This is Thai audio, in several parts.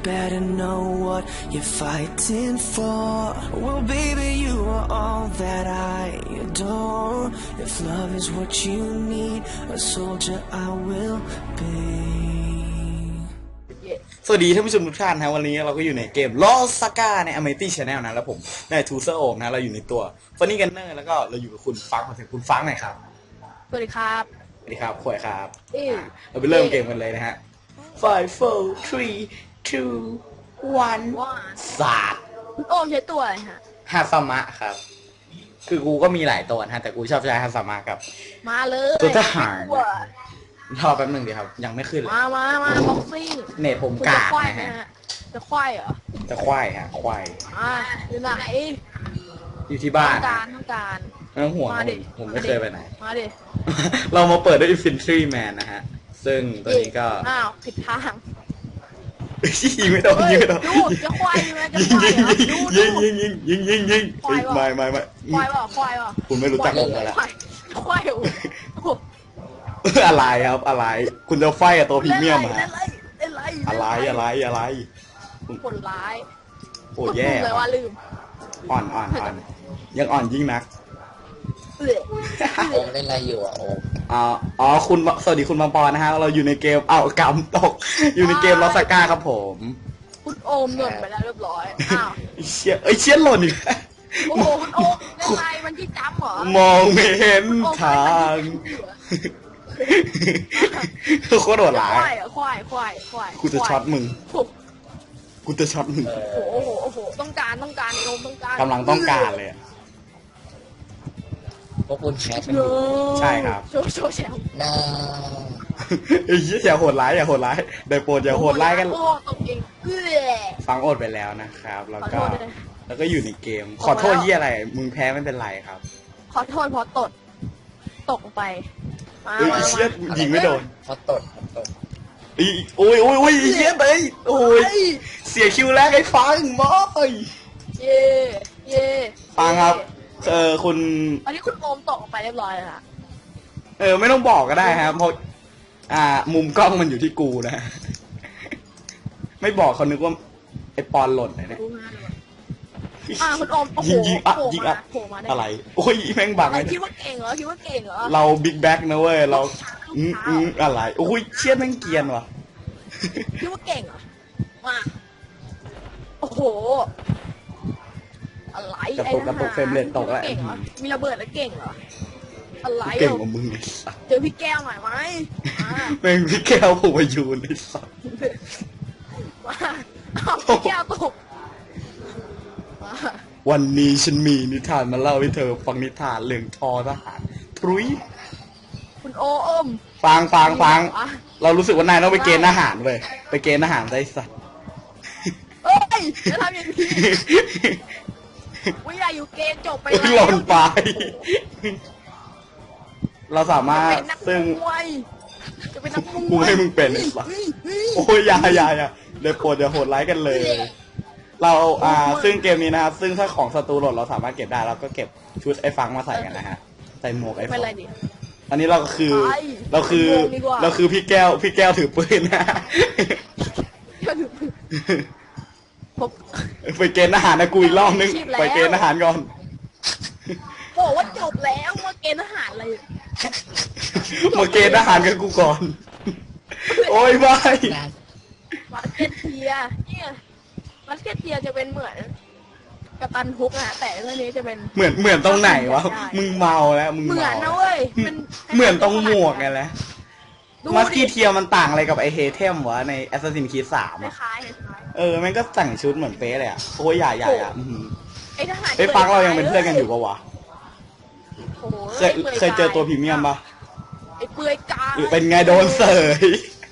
better know what you're fighting for. Well, baby, you are all that I adore. If love is what you need, a soldier I will be. สวัสดีท่านผู้ชมทุกท่านนะวันนี้เราก็อยู่ในเกม Lost Saga ใน Amity Channel นะแล้วผมในทูเซอร์โอมนะเราอยู่ในตัว Funny Gunner แล้วก็เราอยู่กับคุณฟังมาถึงคุณฟังหน่อยครับสวัสดีครับสวัสดีครับขวยครับเราไปเริ่มเกมกันเลยนะฮะ 5 4 3 2 1 ศาสตร์คุณโอมใช้ตัวอะไรฮะฮาซามะครับคือกูก็มีหลายตัวนะแต่กูชอบใช้ฮาซามะครับมาเลยตัวทหารรอแป๊บนึงดีครับยังไม่ขึ้นเลยมาบ็อกซิ่งเน็ตผมกากนะฮะจะควายเหรอจะควายฮะควายอยู่ไหนอยู่ที่บ้านต้องการไม่ต้องห่วงผมไม่เคยไปไหนมาดิเรามาเปิดด้วย Infantry Man นะฮะซึ่งตัวนี้ก็ผิดทางยิงไม่โดนยิงไม่โดนดูจะควายเลยจะควายยิงไม่ควายคุณไม่รู้จักผมแล้วควายอะไรครับอะไรคุณจะไฟกับตัวพรีเมียมฮะอะไรคนร้ายโอ้แย่เลยว่าลืมอ่อนยังอ่อนยิ่งนักโอมเล่นอะไรอยู่อ่ะโอมอ๋อคุณสวัสดีคุณบางปอนนะฮะเราอยู่ในเกมกำตกอยู่ในเกมลอสก้าครับผมคุณโอมหล่นไปแล้วเรียบร้อยเชี่ยหล่นอีกโอ้โหคุณโอมเล่นอะไรมันที่จำเหรอมองไม่เห็นทางโคตรโหดร้ายควายกูจะช็อตมึงโอ้โหต้องการโอมต้องการกำลังต้องการเลยพวกคุณแชร์กันอยู่ใช่ครับโชว์แชร์น่าไอ้ยี่อย่าโหดร้ายได้โปรดอย่าโหดร้ายกันฟังอดไปแล้วนะครับแล้วก็อยู่ในเกมขอโทษยี่อะไรมึงแพ้ไม่เป็นไรครับขอโทษเพราะตกไปเชี่ยยิงไม่โดนพอตดโอ้ยเชี่ยไปโอ้ยเสียคิวแรกไอ้ฟังมอยเย่ฟังครับคุณอันนี้คุณโอมตกไปเรียบร้อยแล้วค่ะไม่ต้องบอกก็ได้ครับเพราะมุมกล้องมันอยู่ที่กูนะไม่บอกเขานึกว่าไอ้ปอนหล่นเลยเนี่ยคุณโอมโอ้โหยิงอะไรโอ้ยแม่งบังคิดว่าเก่งเหรอเราบิ๊กแบ็กนะเว้ยเราอะไรโอ้ยเชี่ยแม่งเกียนว่ะคิดว่าเก่งเหรอมาโอ้โหอะไรกระตุกเฟรมเรทตกแล้วมีระเบิดแล้วเก่งเหรออะไรเก่งกว่ามึงไอ้สัสเจอพี่แก้วหน่อยไหมแม่งพี่แก้วผมมาอยู่ในสัสพี่แก้วตกวันนี้ฉันมีนิทานมาเล่าให้เธอฟังนิทานเรื่องทอทหารพรุ้ยคุณโอมฟังเรารู้สึกว่านายต้องไปเกณฑ์ทหารเลยไปเกณฑ์ทหารได้สัสเฮ้ยจะทำอย่างนี้วิญญาอยู่เกณฑ์จบไปแล้วหล่นไปเราสามารถซึ่งกูให้มึงเป็นเลยสัสโอ้ยอย่าได้โปรดอย่าโหดร้ายกันเลยเราซึ่งเกมนี้นะครับซึ่งถ้าของศัตรูหล่นเราสามารถเก็บได้เราก็เก็บชุดไอ้ฟังมาใส่กันนะฮะใส่หมวกไอ้ฟังอันนี้เราคือพี่แก้วถือปืนนะไปเกณฑ์ทหารนะกูอีกรอบนึงไปเกณฑ์ทหารก่อนบอกว่าจบแล้วมาเกณฑ์ทหารอะไรมาเกณฑ์ทหารกับกูก่อนโอ้ยไม่มาเก็ตเทียเนี่ยมาสเก็ตเทียจะเป็นเหมือนกัปตันฮุกนะแต่เรื่องนี้จะเป็นเหมือนตรงไหนวะมึงเมาแล้วมึงเหมือนนะเว้ยเหมือนตรงหมวกไงแหละมาสกี้เทียมันต่างอะไรกับไอเฮเทมวะใน Assassin's Creed 3 อ่ะคล้ายแม่งก็แต่งชุดเหมือนเป๊ะเลยอ่ะโอ้ยใหญ่ไอ้ทหารไอ้ฟังเรายังเป็นเพื่อนกันอยู่ปะวะเคยเจอตัวพรีเมียมปะไอ้เปื่อยกาเป็นไงโดนเสย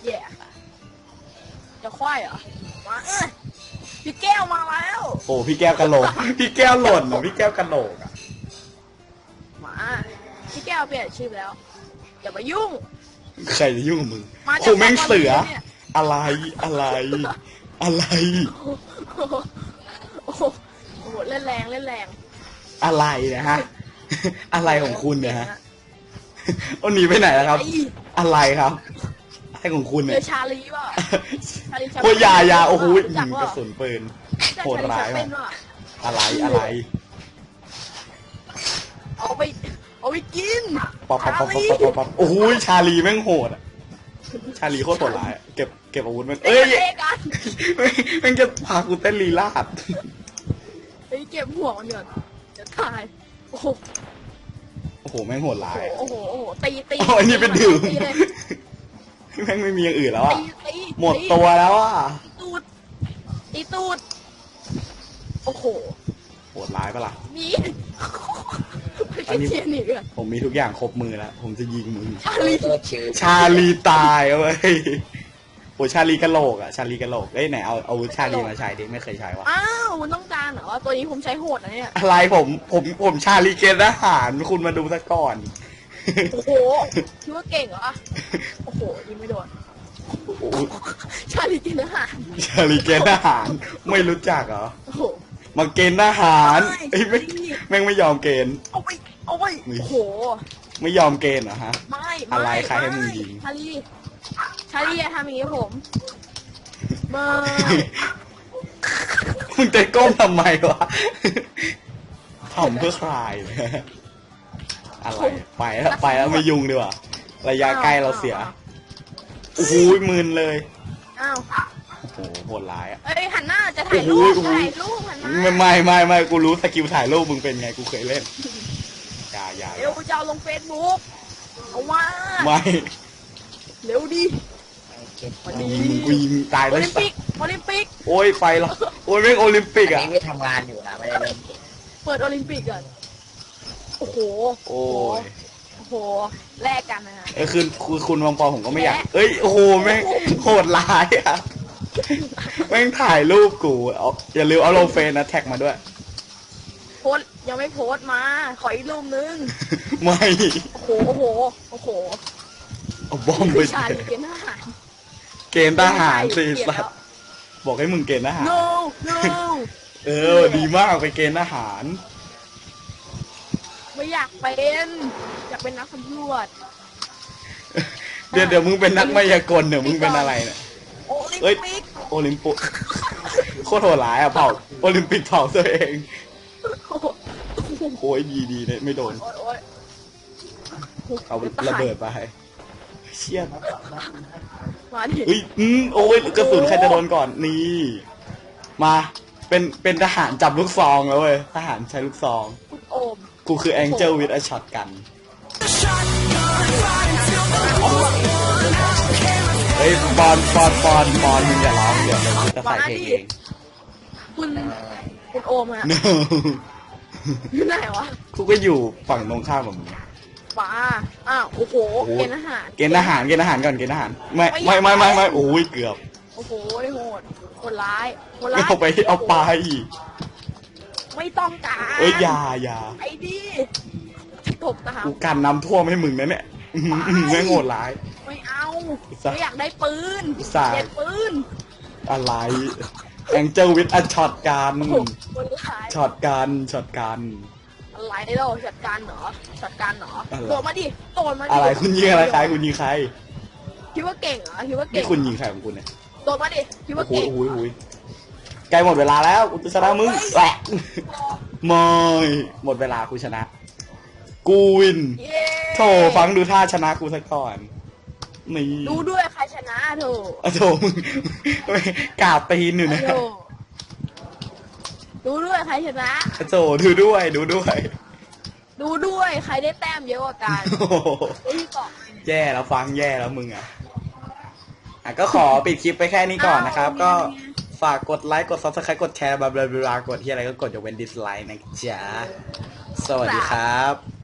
จะควายเหรอมาพี่แก้วมาแล้วโอ้พี่แก้วกะโหลกพี่แก้วหล่นพี่แก้วกะโหลกอ่ะมาพี่แก้วเปลี่ยนชื่อแล้วอย่ามายุ่งใครจะยุ่งกับมึงกูแม่งเสืออะไรโอ้โหเล่นแรงอะไรนะฮะอะไรของคุณเนี่ยฮะเอาหนีไปไหนแล้วครับอะไรครับให้ของคุณเจเนี่ยอชาลีป่ะชาลีแชมโอ้ยยาโอ้โหรู้จักกว่ะระสุนปืน โหดร้ายเป็มากนว่ะอะไรเอาไปกินป๊อปชาลีโอ้โหชาลีแม่งโหดอะชาลีโคตรโหดร้ายอะเก็บอาวุธมันเอ้ยเตะกันแม่งจะพากูเต้นลีลาดไอ้เก็บหัวมันก่อนจะตายโอ้โหโอ้โหแม่งโหดร้ายอะโอ้โหตีโอ้ยนี่เป็นดื่มตีเลยแม่งไม่มีอย่างอื่นแล้วอะตีหมดตัวแล้วอะตีตูดโอ้โหโหดร้ายปะล่ะมีอันนี้เทียนอีกอะผมมีทุกอย่างครบมือแล้ว ผมจะยิงมึงชาลีตัวชื่อชาลีตายเอาเว้ยโอ้ชาลีกะโหลกอะชาลีกะโหลกเอ้ยไหนเอาอาวุธชาลีมาใช้ดิไม่เคยใช้วะอ้าวมันต้องการเหรอตัวนี้ผมใช้โหดนะเนี่ยอะไรผมชาลีเกณฑ์ทหารคุณมาดูซะก่อนโอ้โหคิดว่าเก่งเหรอโอ้โหยิงไม่โดนโอ้โหชาลีกินอาหารชาลีเกณฑ์ทหารไม่รู้จักเหรอโอ้โหมาเกณฑ์ทหารเอ้ยแม่งไม่ยอมเกณฑ์เอาไปโอ้โหไม่ยอมเกณฑ์เหรอฮะไม่อะไรใครให้มึงยิงชาลีอย่าทำอย่างนี้กับผมไม่มึงจะก้มทำไมวะทำเพื่อใครอะไรไปแล้วไม่ยุ่งดีกว่าระยะใกล้เราเสียโอ้โหมึนเลยอ้าวโอ้โหโหดร้ายอ่ะเอ้ยหันหน้าจะถ่ายรูปโอ้โหถ่ายรูปหันหน้าไม่กูรู้สกิลถ่ายรูปมึงเป็นไงกูเคยเล่นอย่าเร็วจะเอาลงเฟซบุ๊กเอาว่าไม่เร็วดิกูยิงตายโอแล้วลิมปิกโอลิมปิกโอ้ยไปแล้วโอ้ยแม่งโอลิมปิกอันอ่ะนี้ไม่ทำงานอยู่นะไม่ได้เล่นเปิดโอลิมปิกก่อนโอ้โหโอ้ยโอ้โหแลกกันนะฮะคือคุณวงปอผมก็ไม่อยากเอ้ยโอ้โหแม่งโหดร้ายอ่ะแม่งถ่ายรูปกูเอาอย่าลืมเอาลงเฟซนะแท็กมาด้วยโพสต์ยังไม่โพสต์มาขออีกรูปนึงไม่โอ้โหเอาบอมไปชาลีเกณฑ์ทหารเกณฑ์ทหารสิเปลี่ยนสัแล้ตวว์บอกให้มึงเกณฑ์ทหาร no no ดีมากไปเกณฑ์ทหารไม่อยากเป็นอยากเป็นนักสำรวจเดี๋ยวมึงเป็นนักมายากลเดี๋ยวมึงเป็นอะไรเนี่ยโอลิมเอ้ยปิกโอลิมปิกโคตรโหดร้ายอ่ะเผาโอลิมปิกเผาตัวเองโอ้โหโอ้ยดีเนี่ยไม่โดนโอ้ยเอาระเบิดไปเชี่ยมาดิเฮ้ยโอ้ยกระสุนใครจะโดนก่อนนี่มาเป็นทหารจับลูกซองแล้วเว้ยทหารใช้ลูกซองคุณโอมกูคือแองเจิลวิดอะช็อตกันเฮ้ยบอลมึงอย่าร้องเดี๋ยวกูจะใส่เพลงเองคุณโอมอะ No อยู่ไหนวะกูก็อยู่ฝั่งตรงข้ามกับมึงป้าอ้าวโอ้โหโอ้โหเกณฑ์อาหารเกณฑ์ทหารก่อนเกณฑ์ทหารไม่โอ้ยเกือบโอ้โหได้โหดคนร้ายคนไม่ร้ายเอาไปไม่ต้องการเอ้ยอย่าไอ้ดิตกตามกูกันน้ำท่วมให้มึงนะเนี่ยแม่งโหดร้ายไม่เอาอุตส่าห์ไม่อยากได้ปืนอุตส่าห์เด็ดปืนอะไรแองเจิลวิดอะช็อตกันโอ้โหคนร้ายช็อตกันอะไรเราจัดการเหรอจัดการเหรออะไรโดดมาดิโดดมาดิอะไรคุณยิงอะไรใครคุณยิงใครคิดว่าเก่งเหรอคิดว่าเก่นี่งคุณยิงใครของคุณเนี่ยโดดมาดิคิดว่าโอ้เก่งโหใกล้หมดเวลาแล้วกูจะชนะมึงแหละไม่หมดเวลากูชนะ กูวินเย้โถฟังดูท่าชนะกูซะก่อนนี่ดูด้วยใครชนะเถอะอะโถมึงกราบตีนอยู่นะโถ่ดูด้วยใครชนะอะโถดูด้วยดูด้วยใครได้แต้มเยอะกว่ากันโอ้โหไอ้ที่เกาะแย่แล้วฟังแย่แล้วมึงอ่ะก็ขอปิดคลิปไปแค่นี้ก่อนนะครับ ก็ฝากกดไลค์กด Subscribe กดแชร์บลาบลากดที่อะไรก็กดยกเว้นดิสไลค์นะจ๊ะสวัสดีครับ